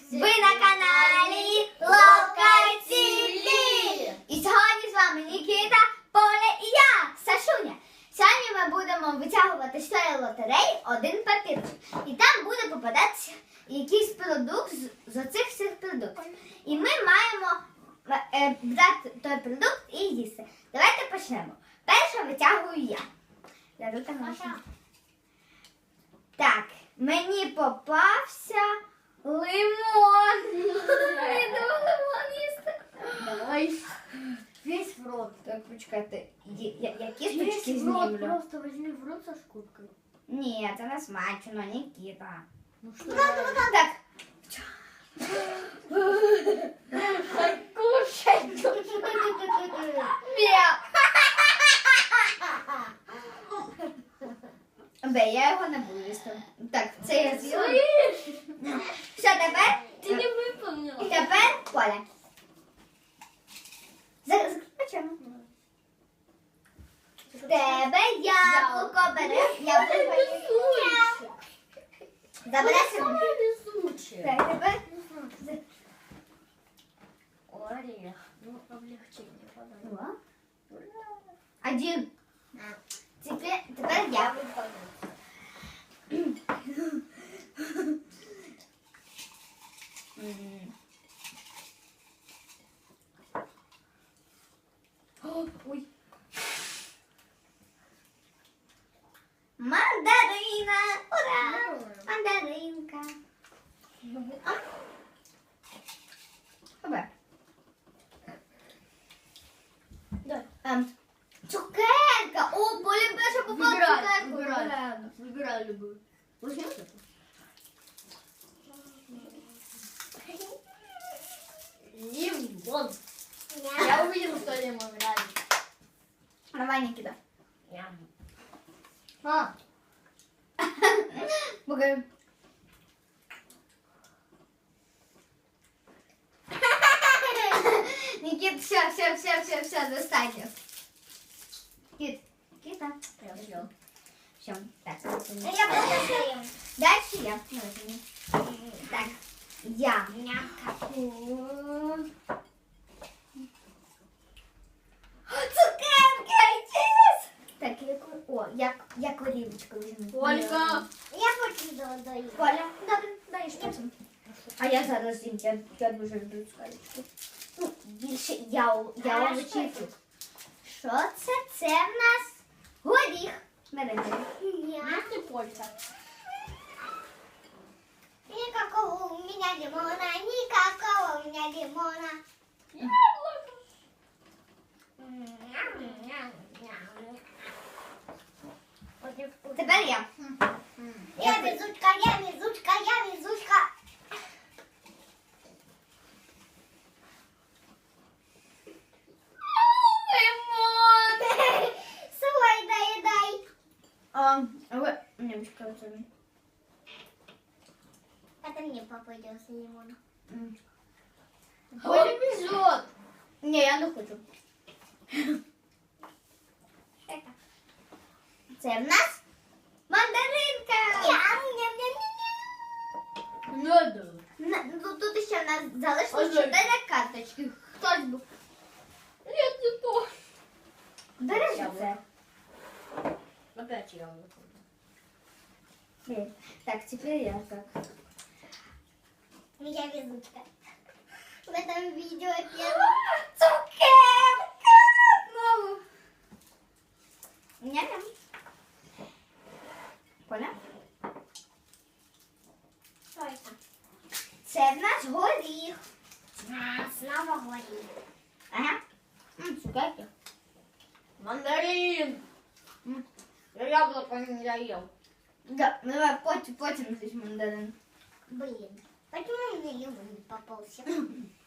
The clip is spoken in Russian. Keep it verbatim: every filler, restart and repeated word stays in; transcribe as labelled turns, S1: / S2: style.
S1: Ви на каналі Локації! І сьогодні з вами Нікіта, Поля і я, Сашуня. Сьогодні ми будемо витягувати з цієї лотереї один папірчик. І там буде попадатися якийсь продукт з, з оцих всіх продуктів. І ми маємо е, брати той продукт і їсти. Давайте почнемо. Перше витягую я. Дару там нашу. Так, мені попався лимон. Я думала лимон їсти.
S2: Давай весь в рот.
S1: Так, почекайте, я, я, я
S2: Весь
S1: кісточки
S2: в рот,
S1: знімлю.
S2: просто возьми в рот со скобкой.
S1: Ні, це не смачно, Нікіта.
S2: Ну что?
S1: Так.
S2: Кушай.
S1: Мяу. Бе, я його не буду їсти. Так, це я з'їла. Все, тепер,
S2: Ты не выполнила.
S1: тепер Коля. Зараз почнемо. В тебе яблуко бере, яблуко є. Забереш його?
S2: Везучая.
S1: Так, тепер.
S2: Орех. Ну, облегчение подай.
S1: Два. Один. Теперь, теперь я выполню. Ой. Мандарина! Ура! Мандаринка. Добре.
S2: Да.
S1: Ем, Цукерка! О, Поля перша попала
S2: Выбирай,
S1: цукерку.
S2: выбирай. Выбирай любую. Возьми вот эту. Лимон. Я увидела, что лимон нравится.
S1: Давай, Никита.
S2: Ням. А,
S1: Покажи. Никит, все, все, все, все, все, достатньо. Кит, Кита.
S2: я съел.
S1: Все, так.
S2: Я просто съем.
S1: Дальше я. Так, я. Цукерки, чиз! Так, яку, о, як, я корівочку візьму.
S2: Ольга.
S3: Я хочу додаю.
S1: Коля, добре, даєш потім. А я зараз їм, я, я дуже люблю цукерочку. Ну, більше я, я
S3: А
S1: овочі
S3: що
S1: і фрукт. Що це? Це в нас горіх. Бери, бери.
S3: Я.
S2: Если полька.
S3: Никакого у меня лимона, никакого у меня лимона.
S1: Тепер я.
S3: Я везучка, я везучка, я везучка.
S1: Лимон!
S3: Свой доедай.
S1: А, ви... Не, почекай, це мій.
S3: Это мне попадется лимон.
S1: М.
S2: Оля везет.
S1: Ні, я не хочу.
S3: Это.
S1: Це в нас мандаринка.
S3: Ням-ням-ням-ням.
S2: Надо.
S1: На- ну, тут ще в нас залишилось
S2: Ой,
S1: чотири карточки. Хтось був.
S2: Нет, не то.
S1: Бери
S2: Я
S1: це.
S2: Опять яблоко.
S1: Ні. Так, тепер я так.
S3: Я везучка. В этом видео первое.
S1: Цукерка! Знову. Ням-ням. Поля?
S3: Что это?
S1: Це в нас горіх.
S3: А, снова горит.
S1: Ага. М, цукерки.
S2: Мандарин.
S1: М.
S2: Я яблоко не доел.
S1: Да, ну давай потім, потім здесь мандарин.
S3: Блин. Почему мне лимон не попался?